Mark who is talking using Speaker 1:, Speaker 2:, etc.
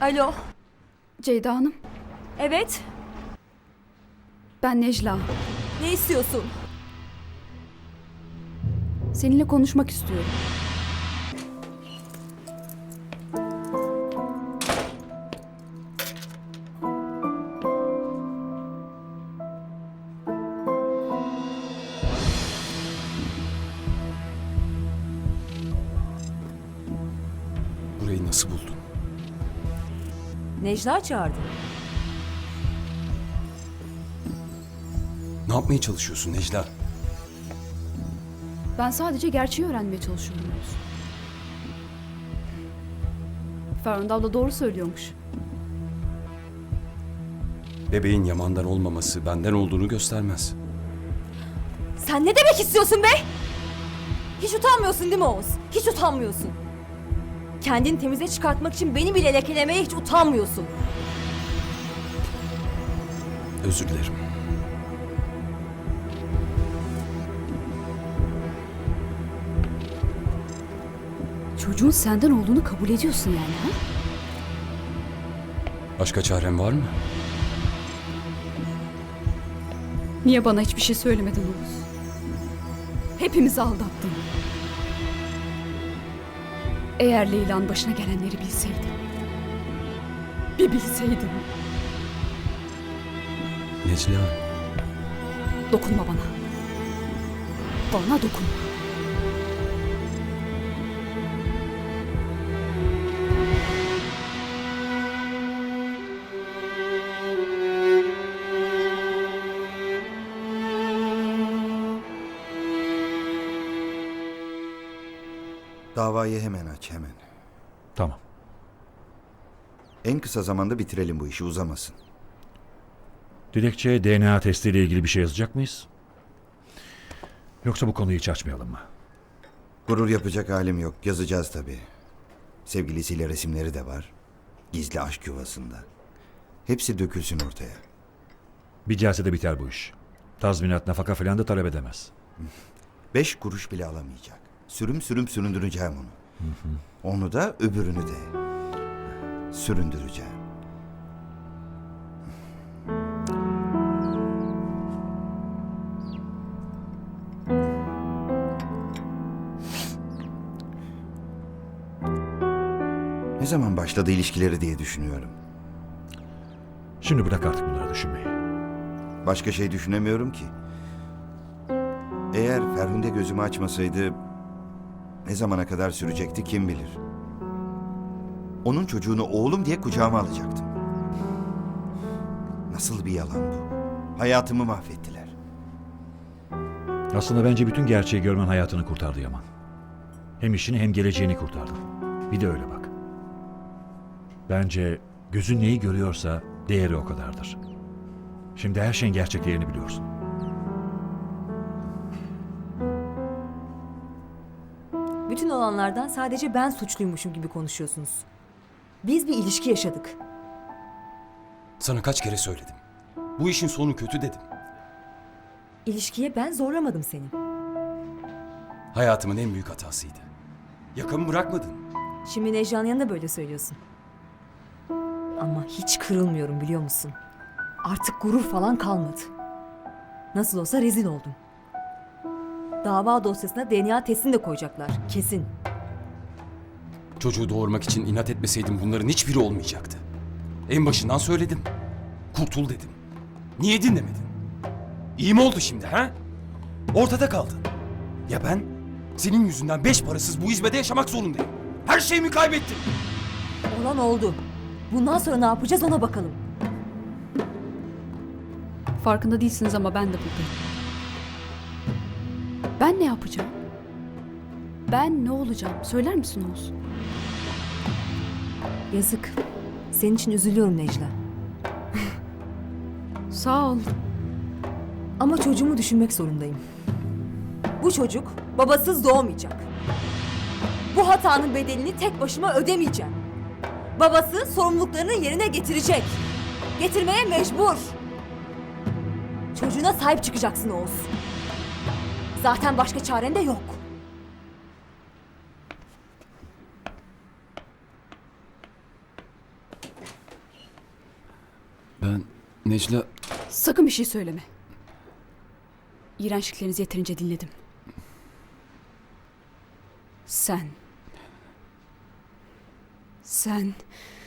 Speaker 1: Alo.
Speaker 2: Ceyda Hanım,
Speaker 1: Evet.
Speaker 2: ben Necla.
Speaker 1: Ne istiyorsun?
Speaker 2: Seninle konuşmak istiyorum.
Speaker 3: Burayı nasıl buldun?
Speaker 1: Necla çağırdı.
Speaker 3: Ne yapmaya çalışıyorsun Necla?
Speaker 2: Ben sadece gerçeği öğrenmeye çalışıyorum Oğuz. Ferhunde abla doğru söylüyormuş.
Speaker 3: Bebeğin Yaman'dan olmaması benden olduğunu göstermez.
Speaker 1: Sen ne demek istiyorsun be? Hiç utanmıyorsun değil mi Oğuz? Hiç utanmıyorsun. Kendini temize çıkartmak için beni bile lekelemeye hiç utanmıyorsun.
Speaker 3: Özür dilerim.
Speaker 2: Çocuğun senden olduğunu kabul ediyorsun yani ha?
Speaker 3: Başka çarem var mı?
Speaker 2: Niye bana hiçbir şey söylemedin Oğuz? Hepimizi aldattın. Eğer Leyla'nın başına gelenleri bilseydim. Bir bilseydim.
Speaker 3: Necla,
Speaker 2: Dokunma bana. Bana dokunma.
Speaker 4: Davayı hemen aç, hemen.
Speaker 5: Tamam.
Speaker 4: En kısa zamanda bitirelim bu işi, uzamasın.
Speaker 5: Dilekçeye DNA testiyle ilgili bir şey yazacak mıyız? Yoksa bu konuyu hiç açmayalım mı?
Speaker 4: Gurur yapacak halim yok, yazacağız tabii. Sevgilisiyle resimleri de var. Gizli aşk yuvasında. Hepsi dökülsün ortaya.
Speaker 5: Bir celsede biter bu iş. Tazminat, nafaka falan da talep edemez.
Speaker 4: 5 kuruş bile alamayacak. Sürüm sürüm süründüreceğim onu. Onu da öbürünü de. Süründüreceğim. Ne zaman başladı ilişkileri diye düşünüyorum.
Speaker 5: Şimdi bırak artık bunları düşünmeyi.
Speaker 4: Başka şey düşünemiyorum ki. Eğer Ferhunde gözümü açmasaydı ne zamana kadar sürecekti kim bilir. Onun çocuğunu oğlum diye kucağıma alacaktım. Nasıl bir yalan bu? Hayatımı mahvettiler.
Speaker 5: Aslında bence bütün gerçeği görmen hayatını kurtardı Yaman. Hem işini hem geleceğini kurtardı. Bir de öyle bak. Bence gözün neyi görüyorsa değeri o kadardır. Şimdi her şeyin gerçek değerini biliyorsun.
Speaker 1: Bütün olanlardan sadece ben suçluymuşum gibi konuşuyorsunuz. Biz bir ilişki yaşadık.
Speaker 3: sana kaç kere söyledim. Bu işin sonu kötü dedim.
Speaker 1: İlişkiye ben zorlamadım seni.
Speaker 3: Hayatımın en büyük hatasıydı. Yakamı bırakmadın.
Speaker 1: Şimdi Necla'nın yanında böyle söylüyorsun. Ama hiç kırılmıyorum biliyor musun? Artık gurur falan kalmadı. Nasıl olsa rezil oldum. Dava dosyasına DNA testini de koyacaklar. Kesin.
Speaker 3: Çocuğu doğurmak için inat etmeseydim bunların hiçbiri olmayacaktı. En başından söyledim. Kurtul dedim. Niye dinlemedin? İyi mi oldu şimdi ha? Ortada kaldın. Ya ben senin yüzünden 5 parasız bu hizmede yaşamak zorundayım. Her şeyimi kaybettim.
Speaker 1: Olan oldu. Bundan sonra ne yapacağız ona bakalım.
Speaker 2: Farkında değilsiniz ama ben de buradayım. Ben ne yapacağım? Ben ne olacağım? Söyler misin Oğuz?
Speaker 1: Yazık. Senin için üzülüyorum Necla.
Speaker 2: Sağ ol.
Speaker 1: Ama çocuğumu düşünmek zorundayım. Bu çocuk babasız doğmayacak. Bu hatanın bedelini tek başıma ödemeyeceğim. Babası sorumluluklarını yerine getirecek. Getirmeye mecbur. Çocuğuna sahip çıkacaksın Oğuz. Zaten başka çaren de yok.
Speaker 6: Necla...
Speaker 2: Sakın bir şey söyleme. İğrençliklerinizi yeterince dinledim. Sen